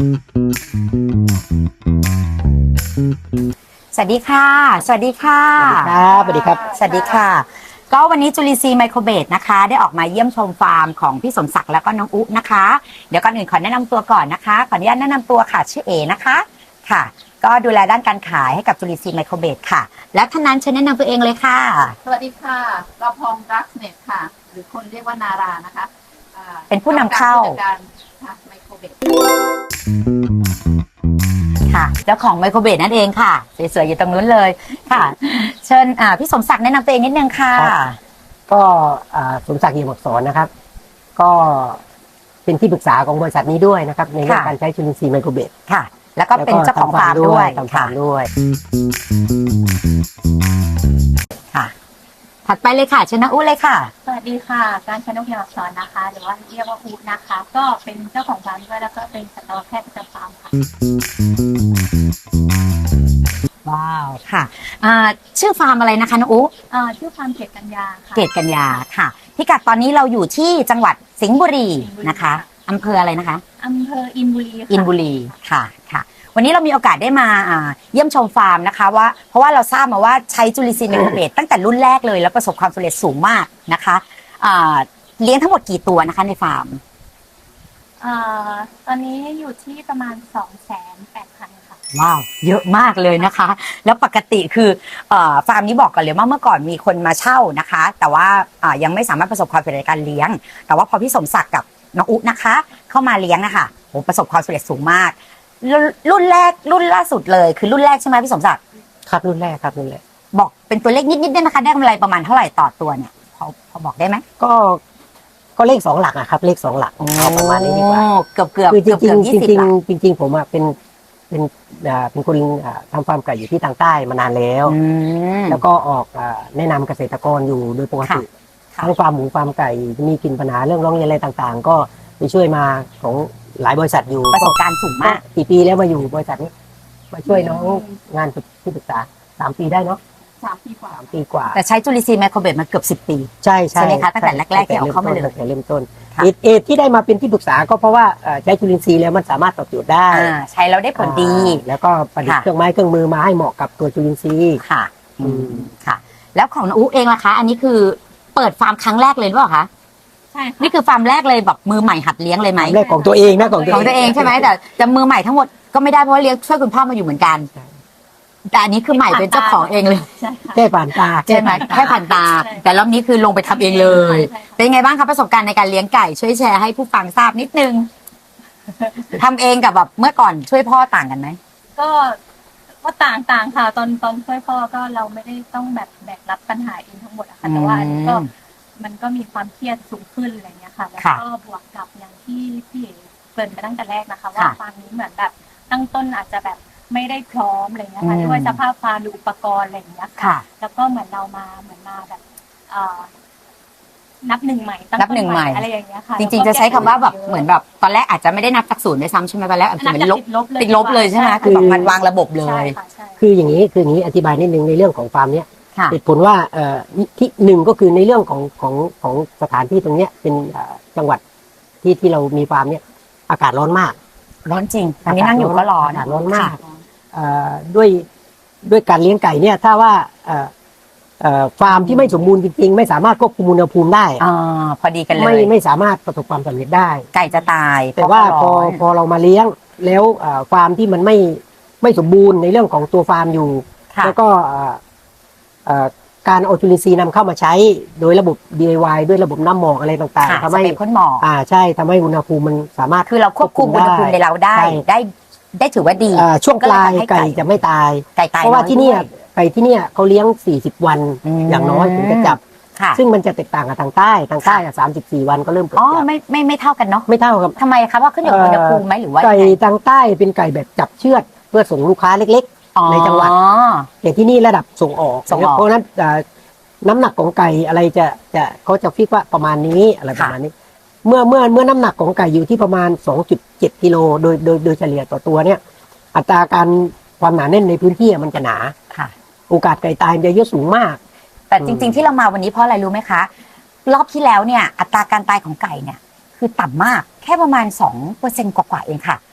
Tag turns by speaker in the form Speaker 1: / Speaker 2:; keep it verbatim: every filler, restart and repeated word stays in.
Speaker 1: สวัสดีค่ะสวัสดีค่ะ
Speaker 2: สวัสดีครับสวัสดีครับ
Speaker 1: สวัสดีค่ะก็วันนี้จุลินทรีย์ไมโครเบสนะคะได้ออกมาเยี่ยมชมฟาร์มของพี่สมศักดิ์แล้วก็น้องอุ๊นะคะเดี๋ยวก่อนอื่นขอแนะนำตัวก่อนนะคะขออนุญาตแนะนำตัวค่ะชื่อเอนะคะค่ะก็ดูแลด้านการขายให้กับจุลินทรีย์ไมโครเบสค่ะและท่านนั้นเชิญแนะนำตัวเองเลยค่ะ
Speaker 3: สวัสดีค่ะเราพองรักเน็ตค่ะหรือคนเรียกว่านารานะคะ
Speaker 1: เป็นผู้นำเข้า
Speaker 3: การไมโครเบส
Speaker 1: ค่ะเจ้าของไมโครเบสนั่นเองค่ะสวยๆอยู่ตรงนู้นเลยค่ะเชิญพี่สมศักดิ์แนะนำตัวเองนิดนึงค่ะ
Speaker 2: ก็สมศักดิ์เอี่ยมอักษรนะครับก็เป็นที่ปรึกษาของบริษัทนี้ด้วยนะครับในเรื่องการใช้จุลินทรีย์ไมโครเบส
Speaker 1: ค่ะแล้วก็เป็นเจ้าของฟาร์มด้วย
Speaker 2: ทำฟาร์มด้วย
Speaker 1: ค่ะถัดไปเลยค่ะเชิญน้าอุ๊เลยค่ะ
Speaker 3: สวัสดีค่ะการชนกเอี่ยมอักษรนะคะหรือว่าเรียกว่าอุ๊นะคะก็เป็นเจ้าของฟาร์มด้วยแล้วก็เป็นสัตวแพทย์ประจำฟาร์มค่ะ
Speaker 1: ว้าวค่ะชื่อฟาร์มอะไรนะคะน้องอุ๊
Speaker 3: ชื่อฟาร์มเกตกัญญาค่ะ
Speaker 1: เกตกัญญาค่ะพิกัดตอนนี้เราอยู่ที่จังหวัดสิงห์บุรีนะคะอำเภออะไรนะคะ
Speaker 3: อำเภออินบุรี
Speaker 1: อินบุรีค่ะค่ะวันนี้เรามีโอกาสได้มาเยี่ยมชมฟาร์มนะคะว่าเพราะว่าเราทราบมาว่าใช้จุลินทรีย์ไมโครเบสตั้งแต่รุ่นแรกเลยแล้วประสบความสำเร็จสูงมากนะคะเลี้ยงทั้งหมดกี่ตัวนะคะในฟาร์ม
Speaker 3: ตอนนี้อยู่ที่ประมาณสองแสนแปดพันค่ะ
Speaker 1: ว้าวเยอะมากเลยนะคะแล้วปกติคือฟาร์มนี้บอกกันเลยว่าเมื่อก่อนมีคนมาเช่านะคะแต่ว่ายังไม่สามารถประสบความสำเร็จในการเลี้ยงแต่ว่าพอพี่สมศักดิ์กับน้องอุ๊นะคะเข้ามาเลี้ยงนะคะโอ้ประสบความสำเร็จสูงมากรุ่นแรกรุ่นล่าสุดเลยคือรุ่นแรกใช่ไหมพี่สมศักดิ์
Speaker 2: ครับรุ่นแรกครับรุ่นแรก
Speaker 1: บอกเป็นตัวเลขนิดๆได้ไหมคะได้กำไรประมาณเท่าไหร่ต่อตัวเนี่ยพอพอบอกได้ไหม
Speaker 2: ก็ก็เลขสองหลักอะครับเลขสองหลักเอาประมาณนี้ดีกว่า
Speaker 1: เกือบเกือบ
Speaker 2: คือจริงจริงจริงจริงจริงผมอะเป็นเป็นเป็นคนทำฟาร์มไก่อยู่ที่ทางใต้มานานแล้วแล้วก็ออกแนะนำเกษตรกรอยู่โดยปกติทั้งฟาร์มหมูฟาร์มไก่มีกินปัญหาเรื่องร้องเรียนอะไรต่างๆก็ไปช่วยมาของหลายบริษัทอยู่
Speaker 1: ประสบการณ์สูงมาก
Speaker 2: กี่ปีแล้วมาอยู่บริษัทนี้มาช่วยน้องงานที่ปรึกษาสามปีได้เนาะ
Speaker 3: สามปีกว่า
Speaker 2: สามปีกว่า
Speaker 1: แต่ใช้จุลินทรีย์ไมโครเบสมาเกือบสิบปี
Speaker 2: ใช่ใช่
Speaker 1: ไหมคะตั้งแต่แรกๆที่เอาเข้ามาเลย
Speaker 2: ตั้งแต่เริ่มต้นเอทเอทที่ได้มาเป็นที่ปรึกษาก็เพราะว่าใช้จุลินทรีย์แล้วมันสามารถตอบโจทย์ได้
Speaker 1: ใช้แล้วได้ผลดี
Speaker 2: แล้วก็ประดิษฐ์เครื่องไม้เครื่องมือมาให้เหมาะกับตัวจุลินทรีย์
Speaker 1: ค่ะอืมค่ะแล้วของน้องอุ๊เองล่ะคะอันนี้คือเปิดฟาร์มครั้งแรกเลยหรือเปล่าคะ
Speaker 3: ใช่
Speaker 1: นี่คือฟาร์มแรกเลยแบบมือใหม่หัดเลี้ยงเลยไหม
Speaker 2: แรกของตัวเองนะ
Speaker 1: ของตัวเองใช่ไหมแต่จะมือใหม่ทั้งหมดก็ไม่ได้เพราะเลี้ยงช่วยคุณพ่อมาอยู่เหมือนกันแต่อันนี้คือใหม่เป็นเจ้าของเองเลย
Speaker 2: แค่ผ่านตา
Speaker 1: ใช่ไหมแค่ผ่านตาแต่รอบนี้คือลงไปทำเองเลยเป็นไงบ้างครับประสบการณ์ในการเลี้ยงไก่ช่วยแชร์ให้ผู้ฟังทราบนิดนึงทำเองกับแบบเมื่อก่อนช่วยพ่อต่างกันไหม
Speaker 3: ก็ก็ต่างต่างค่ะตอนตอนช่วยพ่อก็เราไม่ได้ต้องแบบแบกรับปัญหาเองทั้งหมดอะค่ะแต่ว่าอันนี้ก็มันก็มีความเครียดสูงขึ้นอะไรเงี้ยค่ะแล้วก็บวกกับอย่างที่พี่เกริ่นไปตั้งแต่แรกนะคะว่าฟาร์มนี้เหมือนแบบตั้งต้นอาจจะแบบไม่ได้พร้อมอะไรเงี้ยค่ะด้วยสภาพฟาร์มหรืออุปกรณ์อะไรเงี้ยค่ะแล้วก็เหมือนเรามาเหมือนมาแบบนับหนึ่งใหม่
Speaker 1: นับหนึ่งใหม่
Speaker 3: อะไรอย่างเงี้ยค่ะ
Speaker 1: จริงๆจะใช้คำว่าแบบเหมือนแบบตอนแรกอาจจะไม่ได้นับจากศูนย์ด้วยซ้ำใช่ไหมตอนแรกอาจจะเป็นลบติดลบเลยใช่ไหมคือแบบมันวางระบบเลย
Speaker 2: คืออย่างนี้คืออย่างนี้อธิบายนิดนึงในเรื่องของฟาร์มเนี้ยเหตุผลว่าเอ่อที่หนึ่งก็คือในเรื่องของของของสถานที่ตรงเนี้ยเป็นจังหวัดที่ที่เรามีฟาร์มเนี้ยอากาศร้อนมาก
Speaker 1: ร้อนจริงตอนนี้นั่งอยู่ก็ร้อน
Speaker 2: อากาศร้อนมากด้วยด้วยการเลี้ยงไก่เนี่ยถ้าว่าฟาร์มที่ไม่สมบูรณ์จริงๆไม่สามารถควบคุมอุณหภูมิได้
Speaker 1: อ่าพอดีกันเลย
Speaker 2: ไม่ไม่สามารถประสบความสำเร็จได้
Speaker 1: ไก่จะตาย
Speaker 2: แต่ว่าพอพอเรามาเลี้ยงแล้วฟาร์มที่มันไม่ไม่สมบูรณ์ในเรื่องของตัวฟาร์มอยู่แล้วก็การเอาจุลินทรีย์นำเข้ามาใช้โดยระบบ ดี ไอ วาย ด้วยระบบน้ำหมอกอะไรต่างๆ
Speaker 1: ทำให้พ่นหมอก
Speaker 2: อ่าใช่ทำให้อุณหภูมิมันสามารถ
Speaker 1: คือเราควบคุมอุณหภูมิในเราได้ได้ได้ถือว่าดี
Speaker 2: ช่วงปลายไก่จะไม่ตายเพราะว่าที่นี่ไก่ที่นี่เขาเลี้ยงสี่สิบวันอย่างน้อยถึงจะจับซึ่งมันจะแตกต่างกับทางใต้ทางใต้สามสิบสี่วันก็เริ่มเกิด
Speaker 1: อ๋อไม่ไม่ไม่เท่ากันเนาะ
Speaker 2: ไม่เท่าครับ
Speaker 1: ทำไมครับว่าขึ้นอยู่กับอุณหภูมิไหมหรือว่า
Speaker 2: ไก่ทางใต้เป็นไก่แบบจับเชือดเพื่อส่งลูกค้าเล็กๆในจังหวัดแต่ที่นี่ระดับส่งออกเพราะนั้นน้ำหนักของไก่อะไรจะจะเขาจะฟิกว่าประมาณนี้อะไรประมาณนี้เมื่อเมื่อเมื่อน้ำหนักของไก่อยู่ที่ประมาณ สองจุดเจ็ด กิโลโดยโดยโดยเฉลี่ยต่อตัวเนี่ยอัตราการความหนาแน่นในพื้นที่มันจะหนาโอกาสไก่ตายจะเยอะสูงมาก
Speaker 1: แต่จริงๆที่เรามาวันนี้เพราะอะไรรู้ไหมคะรอบที่แล้วเนี่ยอัตราการตายของไก่เนี่ยคือต่ำมากแค่ประมาณ สองเปอร์เซ็นต์ กว่าๆเองค่ะ